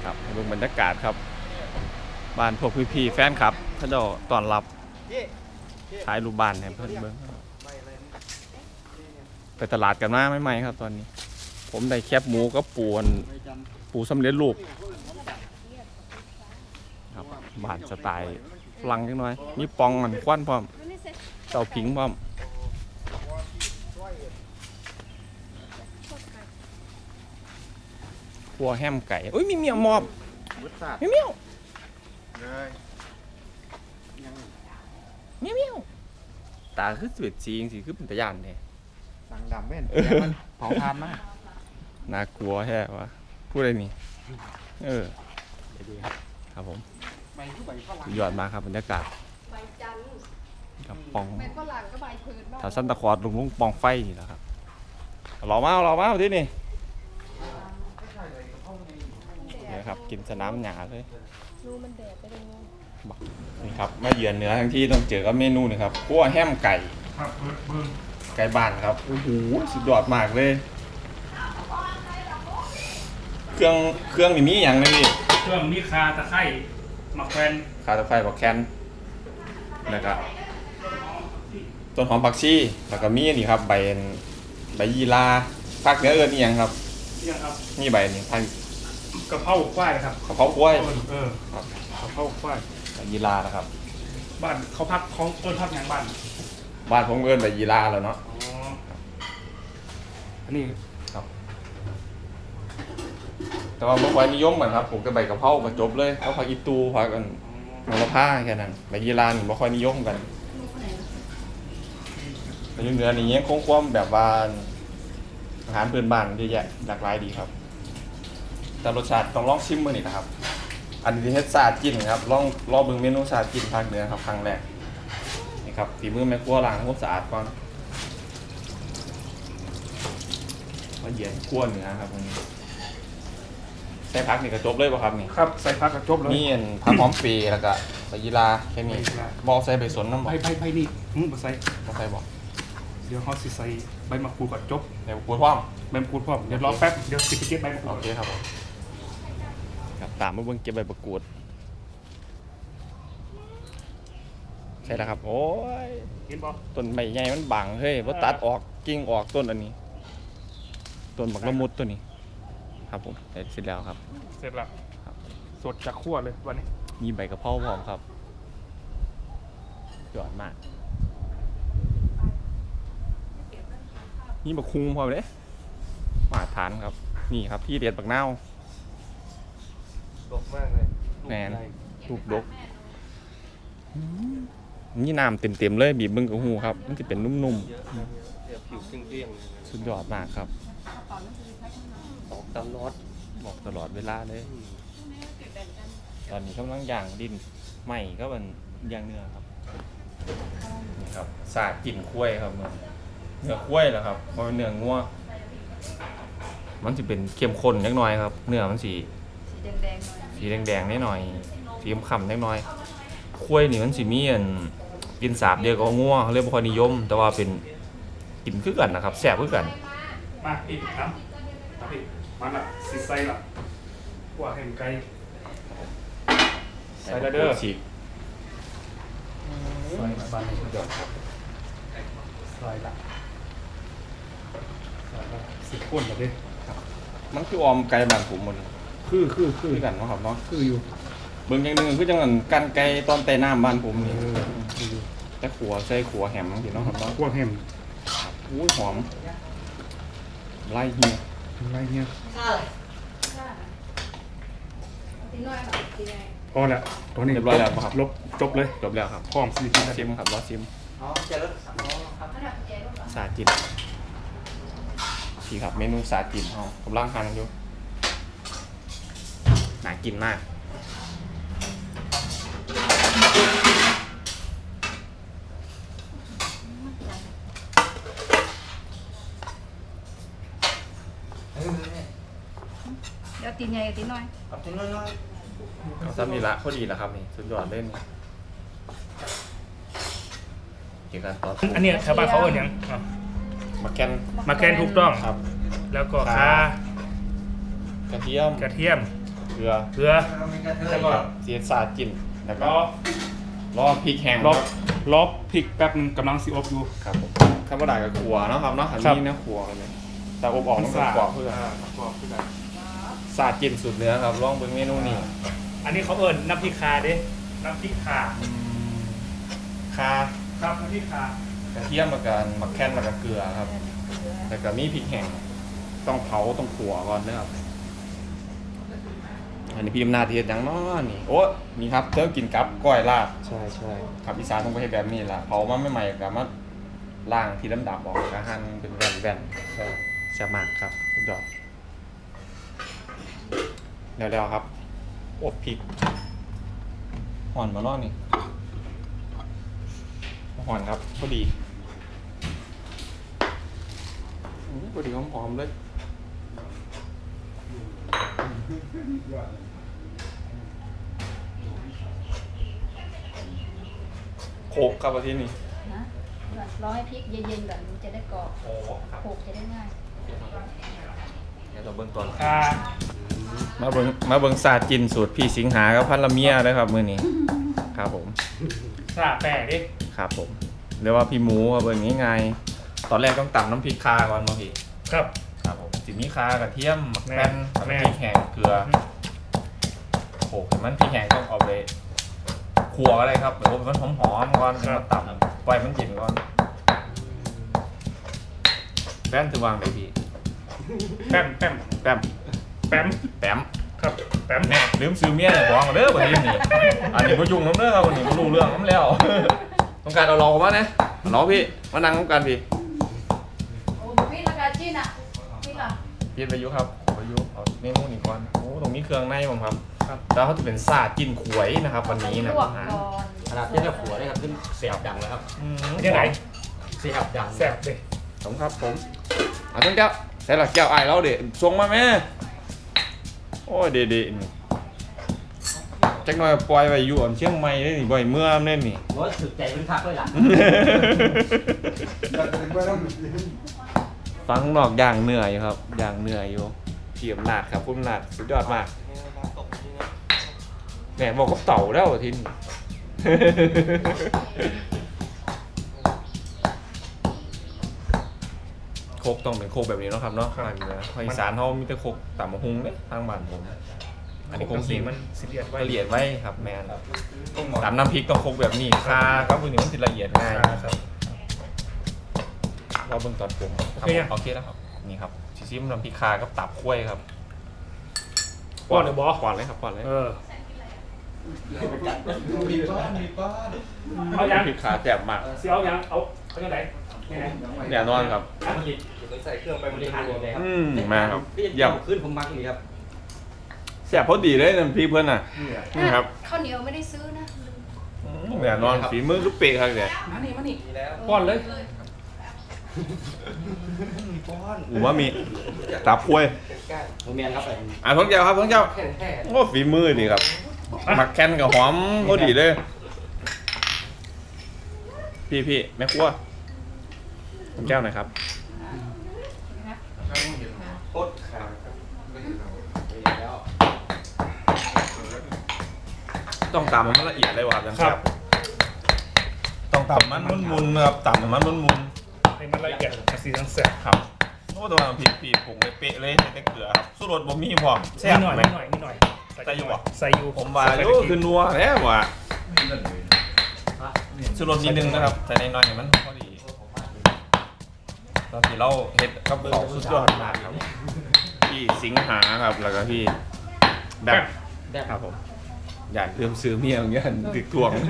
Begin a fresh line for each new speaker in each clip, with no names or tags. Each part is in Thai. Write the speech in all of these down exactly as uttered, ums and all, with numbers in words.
ครับดูบรรยากาศครับบ้านพวกพี่ๆแฟนครับเขาจะต้อนรับท้ายรูปบ้านให้เพื่อนเบิ้งไปตลาดกันมาไม่ไหมครับตอนนี้ผมได้แคบหมูกับปูนปูสำเร็จรูปครับบ้านสไตล์ฝรั่งจังหน่อยมีปองมันควันพร้อมเตาผิงพร้อมพัวแฮมไก่อุ้ยมีเมียมอบมีเมียวเมียวเมียวตาคือสวยจริงสิคือเป็นตะยานเนี่ย
สังดำเว้นมันเผาทานมาก
น่ากลัวแค่วะพูดอะไรนี่เออดีครับครับผมยอดมากครับบรรยากาศกับปองถ้าซันตะคอร์ดลุงลุงปองไฟนี่แหละครับหล่อมากหล่อมากที่นี่นี่ครับกินสนามหญ้าเลยนี่ครับมาเยือนเหนือทั้งที่ต้องเจอกับเมนูนี่ครับคั่วแฮมไก่ไก่บ้านครับโอ้โหสุดยอดมากเลยเครื่องเครื่องนี่มีอย่างไรพี่
เครื่องมีคาตะไคร้หมักแฟน
คาตะไคร้บักแคนนะครับต้นหอมผักชีแล้วก็มีนี่ครับใบใบยีราภาคเหนือเอิ้นนี่ยังครับ
นี่ครับ
นี่ใบนี่พัน
กระเพราควายครับ
กระเพราควาย
เออครับกระเพราควาย
ใบยีรานะครับ
บ้านเขาพักเขาต้นพักอย่างบ้าน
บ้านผมเอิ้นใบยีราแล้วเนาะ
อ๋ออันนี้
ครับแต่ว่าเมื่อวานนิยมเหมือนครับผมก็ใบกระเพราก็จบเลยเขาพักอีตูพักกันโนราผ้าแค่นั้นใบยีรานี่ไม่ค่อยนิยมกันแต่ยังเหนือนี่ยังคงความแบบว่าอาหารพื้นบ้านเยอะแยะหลากหลายดีครับแต่รสชาติต้องลองชิมมื้อนี้นะครับอันนี้เฮ็ดซาดกินครับลองลองเบิ่งเมนูซาดกินภาคเหนือครับครั้งแรกนี่ครับฝีมือแม่ครัวล้างทำความสะอาดก่อนมาเย็นครัวเหนือครับวันนี้ใส่ผักนี่ก็จบเลยป่ะครับนี่
ครับใส่ผักกระจบเลย
นี่ผักหอมปีแล้วก็ใบยีราแค่นี้บอกใส่ใบสนน้ำบอก
ใบใบใบนี่มึงมาใส่
มาใส่บอก
เดี๋ยวเขาสิใส่ใบมะกรูดก่อนจบ
ใบมะกรูดพร้อม
ใบมะกรูดพร้อมเดี๋ยวรอแป๊บเดี๋ยวสิไปเก็บใบมะกรูด
โอเคครับผมครับตามมาเบิ่งเก็บใบมะกรูดใช่แล้วครับโอ้ย
เห็นบ่
ต้นใบใหญ่มันบังเฮ้ยว่าตัดออกกิ่งออกต้นอันนี้ต้นบักละมุดตัวนี้ครับผมเสร็จแล้วครับ
เสร็จแล้วสดจากขั้วเลยวันนี้
มีใบกะเพราพร้อมครับยอดมากนี่บักคุ้งพร้อมเลยมาทานครับนี่ครับที่เด็ดบักนาว
ดกมากเลย
แหนลูกดกนี่น้ำเต็มๆเลยบีบมึงกับหูครับมันจะเป็นนุ่ม
ๆผิวเกลี้ยง
ๆสุดยอดมากครับ
ออกตลอด
บอกตลอดเวลาเลยตอนนี้กำลังย่างดินใหม่ก็เป็นย่างเนื้อครับนี่ครับสาดกลิ่นคุ้ยครับเนื้อเนื้อคุ้ยเหรอครับเพราะเนื้องัวมันจะเป็นเข้มข้นนิดหน่อยครับเนื้อมันสีสีแดงๆนิดหน่อยสีขำๆนิดหน่อยคุ้ยนี่มันสีมีอันกินสาบเดียวกับงัวเขาเรียกว่านิยมแต่ว่าเป็นกินคือกันนะครับแซ่บคือกัน
มาอีกครับอีกมาละสิใส่ละหัวแห่งไก่ใส่ละเด้อ
ฉีก
ใส่ละบ้านนี้เดี๋ยวใส่ละใส่ละสิบคนละเด้
มันคือออมไก่บ้านผมหมด
คือคือคือ
กันเนาะครับเนาะ
คืออยู่
เบิ่งอย่างหนึ่งคือจังกันกันไก่ตอนไต่น้ำบ้านผมนี่แต่ขัวใส่ขัวแหมสิเนาะครับเนาะ
ขัวแหม
อุ้ยหอมไล่เหี้ย
ไล่เหี้ยพอแล้วตอนนี้
เรียบร้อยแล้วครับ
ลบจบเลย
จบแล้วครับ
พร้อมซิม
ซิมครับรอซิม
อ๋อเจริญ
สาจิตที่ครับเมนูสาจิตเขากำลังหั่นอยู่น่ากินมาก
เดี๋ยวตีนใหญ่กับตีนน้อย
เอาตีนน้อย
เอาซ้ำนี่ละพอดีแล้วครับนี่สุดยอดเล่นเกี่ยวกับตอน
อันนี้ชาวบ้านเขาเอ่ยยัง
มาแกน
มาแกนถูกต้อง
ครับ
แล้วก็ข่าก
ระเทียม
กระเทียม
เกลือ
เกลือ
แล้วก็เสียสาจินแล้วก็
รอ
รอพริกแห้ง
รอ
ครับ
รอพริกแป๊บนึงกำลังสิอบอยู่
ครับผมข้าวบดากับขัวเนาะครับเนาะอัน
ครับ
นี้เนื้อขัวกันเลยแต่อบออกต้องเป็นขัวเพื่อ
ขัวเพื่อ
สาจินสูตรเนื้อครับลองเบิ่งเมนูนี้
อันนี้เขาเอิญน้ำพริกคาเด้น้ำพริกคา
คา
ครับน้ำพริกคาก
ระเทียมแล้วกันมักแค่นแล้วก็เกลือครับแล้วก็มีพริกแห้งต้องเผาต้องขัวก่อนนะครับอันนี้พี่อำนาจเทียดยังเนาะนี่โอ้นี่ครับเจ้ากินกับก้อยลาบ
ใช่ใช่
ครับอีสานต้องไปให้แบบนี้ล่ะเผามาไม่ใหม่ๆกับมาล่างที่ดำดับออกกระหั่นเป็นแว่นๆแซ่บมากครับสุดยอดเดี๋ยวๆครับอบพริกห่อนมาล่อนี่ห่อนครับพอดีอื้อพอดีหอมๆเลยโขกครับอาทิตย์นี้
นะรอให้พริกเย็นๆก่อนมันจะได้กรอบ
โอ้ครับ
โขลกจะได้ง่าย
เดี๋ยวเราเบิ่งตอน
คา
มาเบิ่งมาเบิ่งศาสตร์จินสูตรพี่สิงหากับพันละเมียเลยครับมื้อนี้ครับผม
สาแปะดิ
ครับผมเรียกว่าพี่หมูครับเบิ่งง่ายๆตอนแรกต้องตำน้ำพริกคาก่อนมาพี่
ครับ
ครับผมสิมีคากระเทียมหมักแป้น
แม่
น้ำพริกแห้งเกลือโขลกให้มันพริกแห้งต้องเอาไปคั่วอะไรครับเดี๋ยวมันหอมๆก่อนแล้วมาตำปล่อยมันเย็นก่อนแป้นถือวางได้พี่
แป๊มแป๊ม
แป้ม
แป๊ม
แป้ม
ครับแป๊ม
แน่ลืมซื้อเมียเนี่ยบอกมาเด้อวันนี้นี่อันนี้พ่ยุ่งน้ำเด้อครับวันนี้พ่รู้เรื่องน้ำแล้ว ต้องการเอาเรามาเนี่ยเราพี่มานั่งต้องการพี่
โอ้พี่ราคาจีนอ่ะพี่เหรอ
พี่ประยุครับประยุเอาเมนูนี้ก่อนโอ้ตรงนี้เครื่องในผมครับครับแล้วเขาจะเป็นซาจิ้นขวยนะครับวันนี้นะ
ลวก
อาหาร
ก่อน
ขนาดที่เราขัวได้ครับขึ้นเสียบดังแล้วครับ
อืม
ยังไง
เสียบดัง
แซ่บดิ
ผมครับผมอ่ะต้องแก้วใส่หลักแก้วไอ้ายเราเด็ส่งมาแม่โอ้ยเด็ดๆนี่จักหน่อยปล่อยไปอยู่อ่อนเชียงใหม่ได้นี่บ่อยเมื่อมเน่นนี่
รถถึกใจเป็นคักเลยล่ะ
ฟังนอกอย่างเหนื่อยครับอย่างเหนื่อยอยู่เทียมนาดครับพุ่มนาดสุดยอดมากแหมบอกกับเต่าแล้วทิน โคกต้องเป็นโคกแบบนี้เนาะครับเนาะภาคเหนือภาคอีสานเขามีแต่โคกต่ำมะฮุงเนี่ยทางบ้านผมอันนี้โคกสี
มันสิเลียดไว้
ละเอียดไว้ครับแมนตำน้ำพริกต้องโคกแบบนี้คาครับพวกนี้มันจะละเอียดง่ายนะครับเราเบิ่งตอนปรุงครับผมโอเคแล้วครับนี่ครับชิซิมน้ำพริกคากับตับกล้วยครับ
ป้อนหรือบอ
ก่อนเลยครับก่อนเลย
เออ
มีป้อนมีป้อน
เอายัง
น้ำพริกคาแจ่มมาก
เสียวยังเอาเอายังไงยังไง
แน่นอนครับ
ใส่เครื่องไปบริหารเลยครับ
อืมมาครับ
พี่
เยี่ยม
ขึ้นผมมักนี่ครับ
แซ่บพอดีเลยน้ำพริกเพื่อนน่ะนี่ครับ
ข้าวเหนียวไม่ได้ซื้อนะ
แน่นอนฝีมือคือเป๊ะครับเนี่ย
มานี่มานี่
ป้อนเลย
อูว่ามีตับกล้วย
โมเมนครับ
อ่ะท้องเจ้าครับท้องเจ้า
แค่แค่
โอ้ฝีมือดีครับหมักแคนกับหอมพอดีเลย พี่พี่แม่ครัวผมแก้วหน่อยครับ
โคตรขาแล้ว
ต้องตำมันละเอียดเลยว่ะจัง
ครับ
ต้องตำมันมุนๆนะครับตำมันมุน
ให้มันละเอียดสีสันแซ่บ
ๆครับโอ้ตัวน้ำพริกปีผงเป๊ะๆเลยใส่แต่เกลือครับสู้รสบ่มีพร้อมแซ่บ
นิดหน่อย
ไหม
นิดหน่อยนิดหน่อย
ใส่อยู่บ่
ใส่อยู่
ผมว่าโอ้คือนัวแล้วว่ะสู้รสนิดนึงนะครับใส่น้อยๆให้มันพอดีตอนที่เราเฮ็ดกับเขาวสุดยอดมากครับพี่สิงหาครับแล้วก็พี่แบบ
ได้ครับผม
อย่าเริ่มซื้อเมียอย่างเงี้ยตึกทวง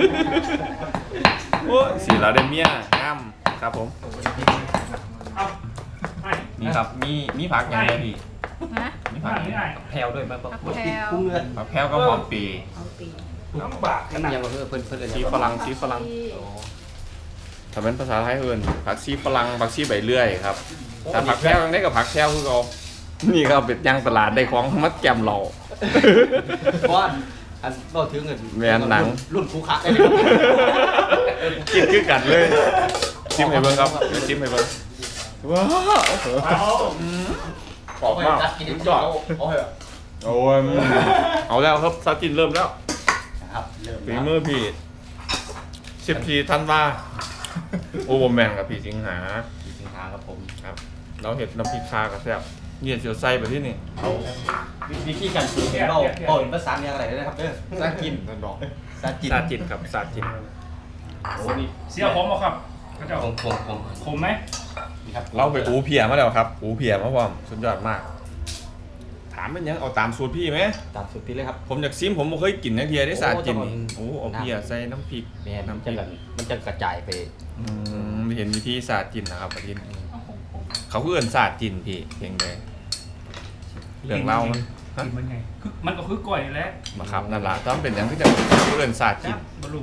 โอ้ยสีเราได้เมียงามครับผม
เอาให้
นี่ครับมีมีผักอย่างไรพี่
ฮะ
มีผักอย่างไร
แพลวด้วยมา
ผัก
บอก
แพรว
คุ้งเงิน
ผักแพรวก็หอมปี
เอาปี
ลำบากขนาด
ยังมาเพื่อเพื่อนเพื่อน
ชีฝรั่งชีฝรั่ง
ที่
ถ้าเป็นภาษาไทยเอิ้นผักชีฝรั่งผักชีใบเลื่อยครับแต่ผักแพรวยังได้กับผักแพรวคือเรานี่ครับเป็นย่างตลาดได้ของมัดแกมเรา
ป้อนอันก็ถึงเงินรุ่นคูคะได้เลย
กินคือกันเลยชิมให้เบิ่งครับเดี๋ยวชิมให้เบิ่งว้าว
เอา
กรอบมากสุดยอด
โอ้ย
โอ้ยเอาแล้วครับซาจินเริ่มแล้ว
นะครับเริ่ม
ฝีมือพี่สิบสี่ธันวาโอเวอร์แมนกับพี่สิงหา
สิงหาครับผม
ครับเราเห็ดน้ำพริกคากับแซ่บเนี่ยเสียวไส้ไปที่นี่
เอาวิธีการซื้อเป็นเราเอาเป็นภาษาเนี่ยอะไรนะครับเด้อ
ซาจินนั่นบอก
ซาจิน
ซาจินครับซาจิน
โอ้นี่
เสียผมบ่ครับเขาเจ้า
ผมผมผม
ขมไหม
นี่ครับ
เราไปอูเพียมาแล้วครับอูเพียมาพร้อมสุดยอดมาก ถามเป็นยังเอาตามสูตรพี่ไหม
ตามสุดที่เลยครับ
ผมอยากซิมผมบ่เคยกินนะเพียได้ซาจินนี่
โอ้
โอ้เอาเพียใส่น้ำพริก
แม่นมัน
น้ำพ
จะ
ริก
มันจะกระจายไป
อืมเห็นวิธีซาจินนะครับประเทศเขาคือเอินซาจินพี่เพียงใดเรื่องเล่ามันฮะ
กินมันไงคือมันก็คือก้อยแหล้ว
มาครับนั่นล่ะต้องเป็นอย่างที่จะเอินซาจิน
บลู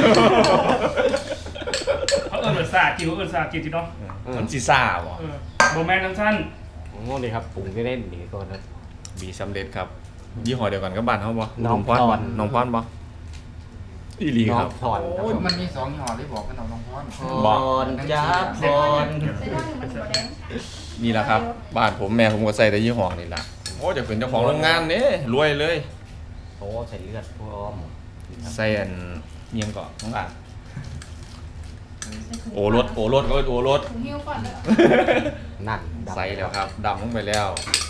เขาเอิญเหมือนซาจิวเอิญซาจิจีเนาะ
มันซีซ่าบ่
เออโบแมนทั้งสั้น
โอ้นี่ครับปรุงได้เล่นนี่ก่อนนะ
บีสำเร็จครับยี่ห้อเดียวกันกับบ้านเขาบ่
น้อง
พร
พร
น้องพรบ่อีหลี
น้อ
ครั
ง
บ
พรครับ
โอ้ย
ผม
มันมีสองยี่ห้อที่บอกกันเอาน้องพร
พรจ้าพร
ใส่ได้มันบ่แดง
นี่แหละครับบ้านผมแม่ผมก็ใส่แต่ยี่ห้อนี่แหละโอ้จะเป็นเจ้าของโรงงานนี่รวยเลย
โอ้ใส่เลือดพวกอ้อม
ใส่อันเนียงเกาะของอ่านโอรสโอรสก็โอรส
ถุงหิ้วก่อนเลย
นั่นดำ
ใส่แล้วครับดำลงไปแล้ว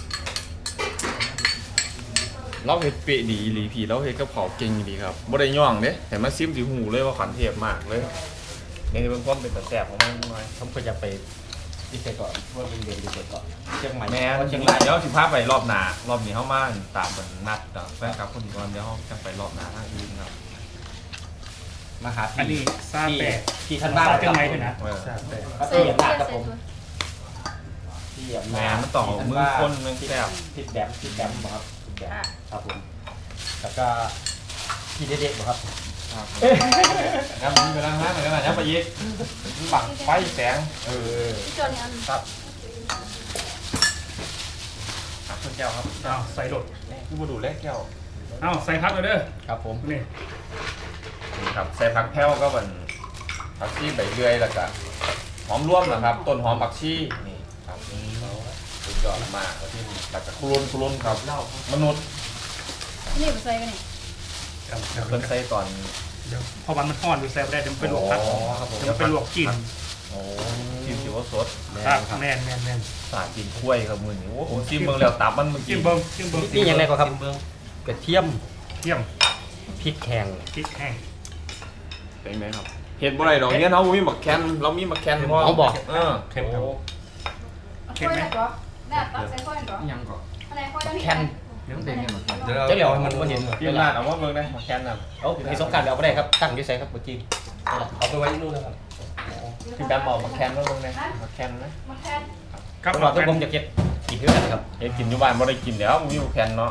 เราเฮ็ดเปะดีอีหลีพี่เราเฮ็ดกับเขาวเก่งดีครับบ่ได้ย่องเด้แต่มาซิมสิหูเลยว่าขันเทพมากเลยนี่เป็นความเป็นตะแสบของมันหน่อย
ผมก็จะไปที่ไปก่อนว่าเป็นเรียนดีก่อนเชียงใหม่
แม่
ว่า
เชี
เชี
ย
ย
ง
ง
ราร
าย ย
เดี๋ยวสิพาไปรอบหน้ารอบนี้เฮามาตามมันนัดกับแฟนคลับคนก่อนเดี๋ยวเฮาจะไปรอบหน้าทางอื่นครับ
มาหา
อันนี้
พี่
ซาแปะ
พี่ท่านบ้าน
ซาเชียงใหม่ด้วยนะ
เออ
ซาแปะ
เสียบหน้าครับผมพี่
แม่มันต้องเอามือคนนึงแซ่บ
ผิดแบบผิดแบบครับผิดแบบครับผมแล้วก็พี่เด็กๆครับ
ครับมีเวลาห้าหน่อยนะยับไปยิกปักไฟแสงเออ
ที่จอนี่อัน
ครับครับคุณแก้วครับ
อ้าวใส่โดด
คือมาดูเลขแก้ว
อ้าวใส่พักเลยเด้อ
ครับผม
นี่
นี่ครับใส่ผักแพ้วก็เป็นผักชีใบเลื่อยแล้วก็หอมร่วมนะครับ ต้นหอมผักชีนี่ครับสุดยอดมากแล้วที่แล้วก็ครุนครุนครับมนุษย์
นี่บ่ใส่กันนี่
เพิ่นใส่ก่อน
เดี๋ยวพอมันมันทอดดูแซ่บได้เดี๋ยวมันเป็นลวกผัก
อ๋อครับผม
เดี๋ยวมันเป็นลวกกิน
โอ้ชิมสิว่าสด
ครับแม่นแม่นแม่น
สาดกินกล้วยครับมือนี้โอ้ผมชิมเบิ่งแล้วตับมันเมื่อ
กิ
กี้
นเบิ้งกินเบิ้ง
นี่ยังไงก็ครับกระเทียม
เยี่ยม
พริกแห้ง
พริกแห้ง
เป็นไหมครับเห็ดบ่ได้ดอกเนี่ยเนาะบ่มีหมักแคนเรามีหมักแคนพอ
เขาบอก
เออ
เข้มครับ
เอาค่อยได้ก่อนได้ตักใส่ค่อยก่อน
ยังก่อน
อะไรค่อยได้
แคน
เดี๋ยวเด่นเนี่ยมัน
เจ้าเหลียวมันไม่เห็น
พี่ลาดเอาว่าเบิ่งได้หมักแคนน่ะ
เอาในสงการเดี๋ยวเอาไปได้ครับตั้งที่ใส่ครับเมื่อกี้เอาไปไว้ที่นู่นนะครับ
พี่แบมเอาหมักแคนมาเบิ่งได้หมักแคนนะ
มาแค่
ครับ
ผมบอกทุกผมจะเก็บกินด้วยกันครับ
เฮ็ดกินอยู่บ้านบ่ได้กินแล้วบ่มีหมักแคนเนาะ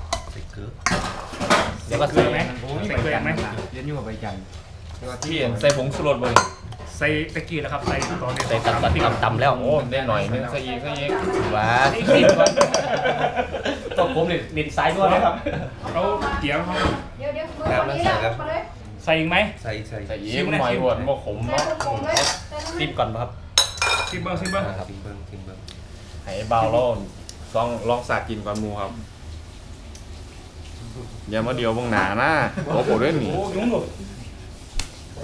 เดี๋ยวก็
เกลื
ใส่
อไหมใส่เกลือไหม
เรียนอยู่กับใบจันทร์
พี่เห็นใส่ผงชูรสบ่
ใส่ตะกี้แล้วครับใส่ตอนนี้
ใส่ตำตำตำแล้ว
โอ้ได้หน่อยนึงใส่อีกใส่อีก
ว้าติดก่อนต้องผมเนี่ยดินสายด้วยนะครับ
เขาเกี่ยวเขา
เดี๋ยวเดี๋ยวมือคนนี้แล้วมาเลย
ใส่อีกไหม
ใส่ใส่
ใส่อีกหน่อยหวานบ่ขม
ใส่
เนาะ
คงเลยใส่น้ำ
ติ
มัน
มก่อนครับ
ซิมเบิ้งซิมเบิ้ง
ครับติมเบิ้งติมเบิ้ง
ให้เบาแล้วลองลองสากินก่อนหมู่ครับอย่ามาเดียวเบิ่งหน้านะโอ้โหด้วยนี่
โอ้ยุ่งหมด
โอ้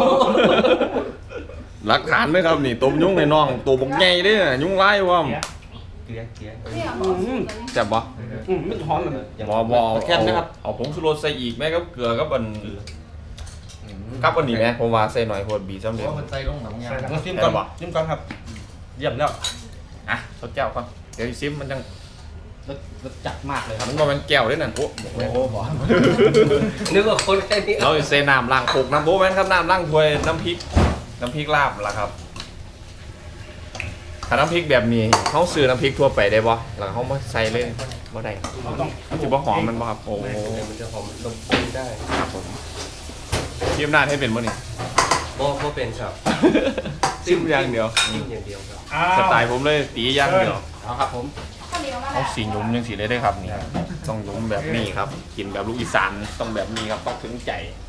หลักฐานด้วยครับนี่ต้มยุ่งในน้องตัวบกใหญ่เด้อยุ่งไล่ว่ะ
เกลียเกลีย
เนี่ย
แซ่บบ่
อืมไม่หอมเลย
บ่บ่เอา
แค่นะครับ
เอาผงชูรสใส่อีกแม่กับเกลือกับอันกับอันนี้แม่ผมว่าใส่หน่อยโพดบีสำ
เพ
เร็จ
ราะมันใส่ลงหนังยาง
มาซิมก่อนซิมก่อนครับเยี่ยมแล้ว
อ่ะทดแก้วก่อนเดี๋ยวซิมมันจัง
รสรสจัดมากเลยครับ
มันบ่แม่นแก้วเด้อนั่นโอ้
โอ้โหบอกนึกว่าคนแค่นี้
เราสิใส่น้ำล้างโคกน้ำโบแม่นครับน้ำล้างถ้วยน้ำพริกน้ำพริกลาบล่ะครับถ้าน้ำพริกแบบนี้เฮาซื้อน้ำพริกทั่วไปได้บ่แล้วเฮามาใส่เลยบ่ได้ครับ
ต้อง
มันสิบ่หอมมันบ่ครับโอ้โห
มันจะหอมนมข้นได้
ครับผมเทียมหน้าให้เป็นบ่นี่
โบโบเป็นครับ
ซิมอย่างเดียว
ซิมอย่างเดียวครับ
อ้าว
สไตล์ผมเลยตีอย่างเดียว
เอาครับผม
ข้าวเหนียวมา
เอาสีหยุ่มยังสีเลยได้ครับนี่ต้องหยุ่มแบบนี้ครับ กินแบบลูกอีสานต้องแบบนี้ครับต้องถึงใจ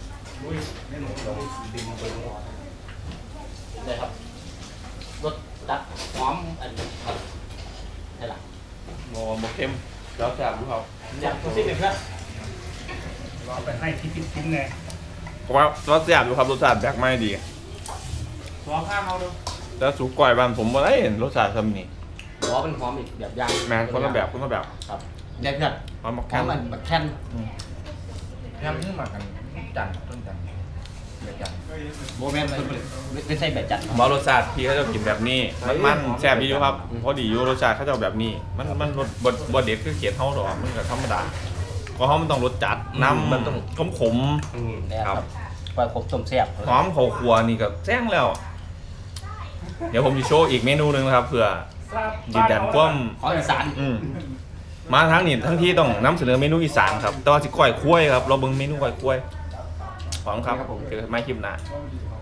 ได้ครับรสจัดหอมอันนี้ครับใช่หรอ
โอ้โหเค็มแล้วแซ่บดูครับ
อยากตัวซิ่งเลยเพื่อน
เราไปให้ที่พิ้นๆไง
เพราะว่ารสแซ่บดูครับรสชาติแบกไม่ดี
หอมข้างเขาดู
แล้วสุกก่อยบ้านผมบ่ได้เห็นรสชาติทำนี่
หอมเป็นหอมอีกแบบย่าง
แม่นคนละแบบคนละแบบ
ครับได้เพื่อน
หอมมัก
ห
แค่
อมมันแบบแค่น
แค่นี้มากันจันทร์ต้นจันทร์เดี๋ยวจันทร์
โมเมนต์ไม่ใช่แบบจัด
ผมว่ารสชาติพี่เขาจะกินแบบนี้ มันมันแซ่บดีอยู่ครับพอดีอยู่รสชาติเขาจะเอาแบบนี้ มันมันรสบดบดเด็ดคือเขียนเท่าหรอกมันก็ธรรมดาเพราะเขามันต้องรสจัดน้ำมันต้องขมขม
เนี่ยครับปลาขบต้มแซ่บ
หอมเขาครัวนี่ก็แจ้งแล้ว เดี๋ยวผมจะโชว์อีกเมนูหนึงนะครับเผื่อยืนยันความ
ของอีสาน
อืมมาทั้งนี้ทั้งที่ต้องนำเสนอเมนูอีสานครับแต่ว่าสิก้อยคุ้ยครับเราเบิ่งเมนูก้อยคุ้ยขอบคุณครับเจอกันใหม่คลิปหน้า
ค